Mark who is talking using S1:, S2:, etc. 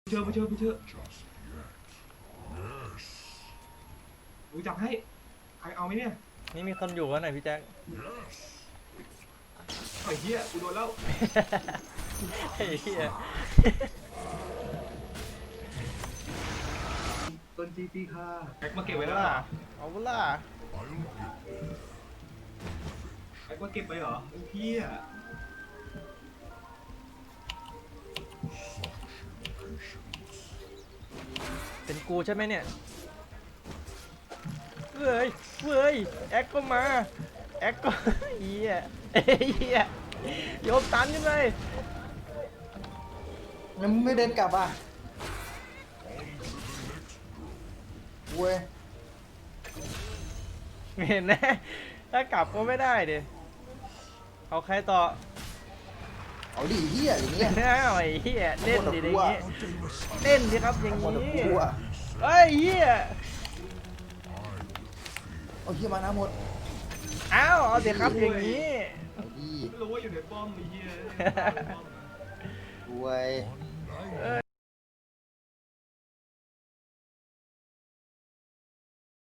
S1: ไปเถอะกูจับให้ใครเอาไหมเนี่ย
S2: นี่มีคนอยู่กันหน่อยพี่แจ็ค
S1: ไอ้เหี้ยกูโดนแล้ว
S2: ไอ้เหี้ย
S1: ต้นจีตีค่ะแบ็กมาเก็บไว้
S2: เอา
S1: แล้วเหรอ
S2: เอาล่ะ
S1: แบ็กมาเก็บไปเหรอไอ้เหี้ย
S2: เป็นกูใช่ไหมเนี่ยเว้ยแอ็กก็มาแอ็กก็เหี้ยเหี้ยโยมตันขึ้นไป
S3: งั้นมึงไม่เดินกลับอ่ะเว้ย
S2: เห็นนะถ้ากลับก็ไม่ได้ดิเอาใครต่อ
S3: เอาดิเฮียอย่างเงี้ย
S2: เอาไอ้เหี้ยเล่นดิอย่างงี้เล่นดิครับอย่าง
S3: หมด
S2: งี้
S3: กูอ่ะ
S2: เฮ้ยเหี้ย
S3: เอาเฮียมานะหมด
S2: เอาเดี๋ยวครับอย่างงี้
S3: เอาดิ
S1: ไม่รู้ว่าอยู่ในป้อมไอ้เหี้ย
S3: เว้ย